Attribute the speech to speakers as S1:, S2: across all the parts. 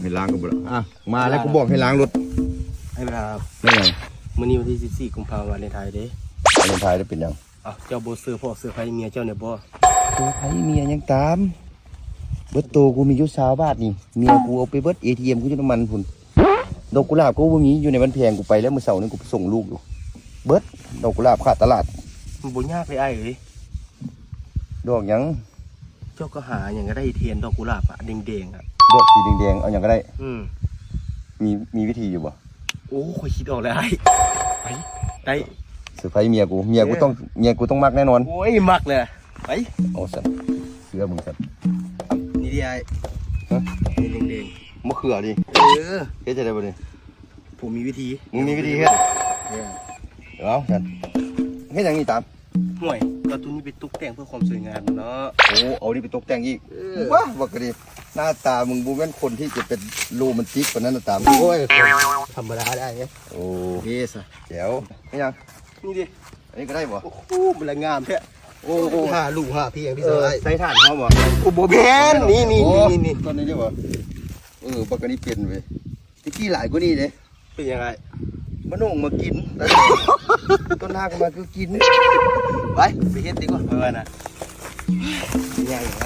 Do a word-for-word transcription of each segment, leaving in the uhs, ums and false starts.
S1: ให้ล้างก็บ่อ่ะมาแล้วกูบอกให้ล้างรถ
S2: ให้เวลาครับ
S1: ได้ไง
S2: มื้อนี้วันที่สิบสี่กุมภาพันธ์วันเลนไทน์เด้
S1: วาเลนไทน์ได้เป็นยัง
S2: อ้าวเจ้าบ่ซื้อพ่อซื้อไผเมียเจ้าเนี่ยบ่
S1: ซื้อไผเมียยังตามเบิดโตกูมีอยู่สามบาทนี่เมียกูเอาไปเบิด เอ ที เอ็ม กูอยู่น้ำมันพุ่นดอกกุหลาบกูบ่มีอยู่ในวันแพงกูไปแล้วมื้อเช้านี้กูไปส่งลูกอยู่เบิดดอกกุหลาบขาดตลาด
S2: มันบ่ยากเลยอ้ายเอ้ย
S1: ดอกหยัง
S2: เจ้าก็หาหยังก็ได้เทียนดอกกุหลาบอ่ะแดงๆอ่ะ
S1: ดอกสีแดงๆเอาหยังก็ได้
S2: อืม
S1: มีมีวิธีอยู่บ่
S2: โอ้ข่อยคิดออกแล้วไอ้ไปได้
S1: เซอร์ไพรส์เมียกูเมียกูต้องเมียกูต้องมักแน่นอน
S2: โอ้ยมักเลยไป
S1: เอาสัตเสือมึงสัต
S2: นี่ดิไอ้
S1: ฮะ
S2: นี่แดง
S1: ๆมะเขือดิ
S2: เออ
S1: เฮ็ดจะได้บ่นี่
S2: ผมมีวิธี
S1: มึงมีวิธีเฮ็ดเอาสัตเฮ็ดหยังนี่ตาม
S2: ห่วยก็ตัวนี้ไปตกแต่งเพื่อความสวยงามเนาะ
S1: โอ้เอานี่ไปตกแต่งอีกว้าว่าก็ดีหน้าตามึงบ่แม่นคนที่จะเป็นโรแมนติกปานนั้นน่ะตาม
S2: โอ้ยธรรมดาได้ไง
S1: โอ้
S2: เฮส
S1: แจ๋วเฮ็ดหยัง
S2: นี่ดิ
S1: อันนี้ก็ได้บ่
S2: โอ้โหมันละงามแท้โอ้โหห้าลูกห้าพี่อย่างที่สาย
S1: ใส่ถ่านเขาบ่
S2: โอ้โหแพนนี่นี่นี่นี่
S1: ต้นนี้ได้บ่เออบักอันนี้เป็นเว้ยตะกี้หลายกว่านี้เด้
S2: เป็นยังไง
S1: มะนงมากินต้นหน้าก็มาคือกิน
S2: ไปไปเฮ็ดดีกว่าเพื่อนน่ะยังไง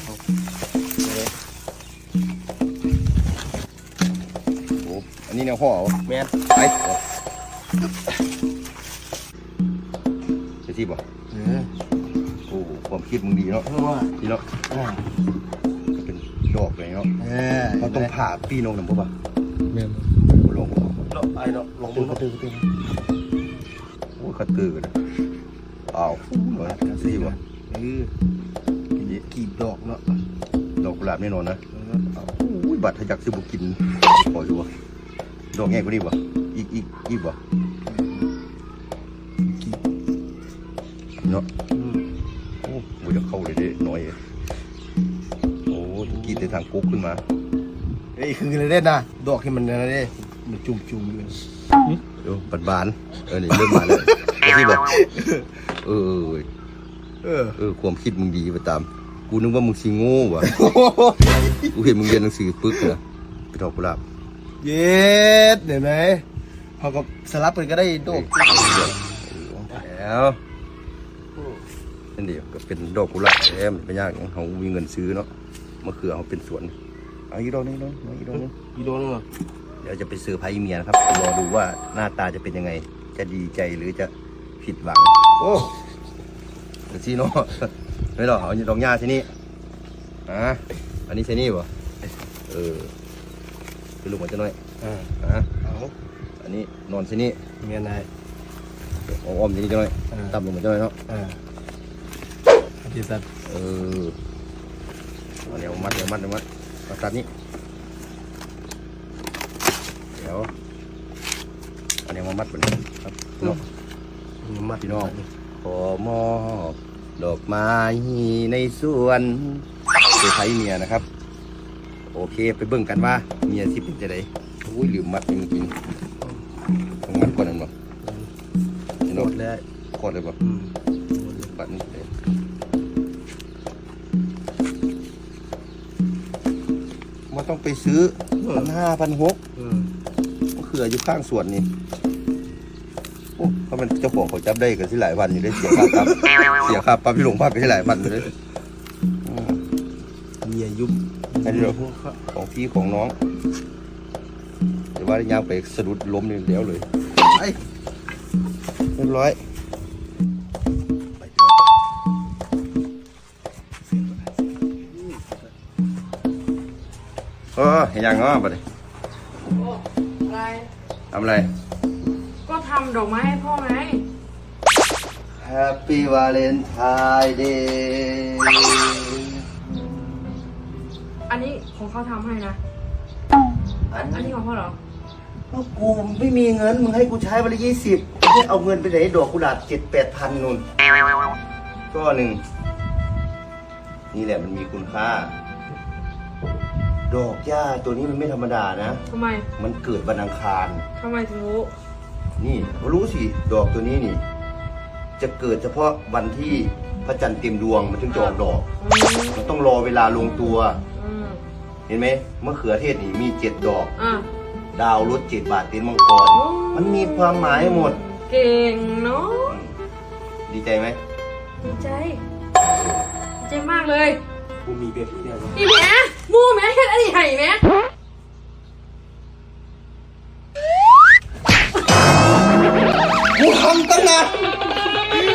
S1: โอ้อันนี้แนวห่อ
S2: แม่น
S1: ไปจะที่บ่
S2: เออ
S1: โอ้ความคิดมึงดีเนาะดีเนาะเป็นดอกเลยเนาะเขาต้องผ่าปีนงหนึ่งป่ะ
S2: แม่น
S1: ลง
S2: เนาะไอ้เนาะลงมือกระตือกระตือ
S1: โอ้กระตือเลยอ้าวเหมือนกันสิบ่
S2: เออกีบดอกเนาะ
S1: ดอกกุหลาบแน่นอนนะโอ้ยบัตรทะยักซื้อบุกินพออยู่บ่ดอกแง่กว่านี้บ่อีกอีกอีกบ่เนาะโอ้โหจะเข้าเลยเด้น้อยโอ้กีดในทางกุ๊กขึ้นมา
S2: เอ้ยคืออะไรเด่นนะดอกที่มันอะไรเด้มันจุ่มจุ่มอยู่
S1: เดี๋ยวบานบานเออนี่เริ่มมาแล้วที่บอกเออเออเออความคิดมึงดีไปตามกูนึกว่ามึงซีโง่ว่ะกูเห็นมึงเรียนหนังสือปึ๊กเหรอไปดอกกุหลาบ
S2: เย็ดเห็นไหมเขาก็สลับกันก็ได้ดอก
S1: แล้วนั่นเดียวก็เป็นดอกกุหลาบแอมไม่ยากเขามีเงินซื้อเนาะมะเขือเขาเป็นสวนเอาอีกดอกนึงเนาะอีกดอกนึง
S2: อีกดอกนึง
S1: เดี๋ยวจะไปเซอร์ไพรส์เมียนะครับรอดูว่าหน้าตาจะเป็นยังไงจะดีใจหรือจะผิดหวังโอ้เดี๋ยวซีโน่ไม่หรอกเอาดอกหญ้าที่นี่อ่ะอันนี้ใช่นี่ป่ะเออไปลุกมาจะหน่อยอ่าอ่ะเอาอันนี้นอนที่นี่
S2: เมียนาย
S1: อ้อมที่นี่จะหน่อยต่ำลงมาจะหน่อยเนาะ
S2: อ่าดีสัตว์
S1: เออเอาเดี๋ยวมัดเดี๋ยวมัดเดี๋ยวมัดเอาตัดนี้เดี๋ยวอันนี้มามัดแบบนี้ครับเนาะ
S2: มัด
S1: พี่น้องขอมอบดอกไม้ในสวนเซอร์ไพรส์เมียนะครับโอเคไปเบิ่งกันว่าเมียที่เป็นจะไดโอ้ยลืมมัดจริงๆต้องมัดก่อนนะมั้ง
S2: โคตรเลย
S1: โคตรเลยป่ะปัดนี่เลยมันต้องไปซื้อพันห้าพันหกก็คืออยู่ข้างสวนนี่โอ้เขาเป็นเจ้าของเขาจับได้กันที่หลายวันอยู่ได้เสียค่าปรับเสียค่าปรับพี่หลวงพ่อไปที่หลายวันเลย
S2: เมียยุ่ม
S1: อันนี้ของพี่ของน้องแต่ว่าย่างไปสะดุดล้มนี่เดี๋ยวเลยไปเรียบร้อยเออเห็นยังเนาะบัดนี้
S3: อะไร
S1: ทำอะไร
S3: ก็ทำดอกไม้ให้พ่อไง
S1: Happy Valentine Day
S3: อันนี้ของเขาทำให้นะอันนี้ของพ่อเหรอ
S1: กูไม่มีเงินมึงให้กูใช้วันละยี่สิบแค่เอาเงินไปไหนดอกกุหลาบเจ็ดแปดพันนู่นก็หนึ่งนี่แหละมันมีคุณค่าดอกหญ้าตัวนี้มันไม่ธรรมดานะ
S3: ทำไม
S1: มันเกิดวันอังคาร
S3: ทำไมถึงรู้
S1: นี่รู้สิดอกตัวนี้นี่จะเกิดเฉพาะวันที่พระจันทร์เต็มดวงมันถึงจะออกดอกมันต้องรอเวลาลงตัวเห็นไหมมะเขือเทศนี่มีเจ็ดดอก
S3: อ่ะ
S1: ดาวรถเจ็ดบาทตีนมังกร มันมีความหมายหมด
S3: เก่งเนาะ
S1: ดีใจไหม
S3: ดีใจดีใจมากเลย
S2: กูมีแบบนี้แล้ว
S3: พี่แม่มูแม่เฮ็ดอันนี้ให้แม่
S2: กูทำตั้งนาน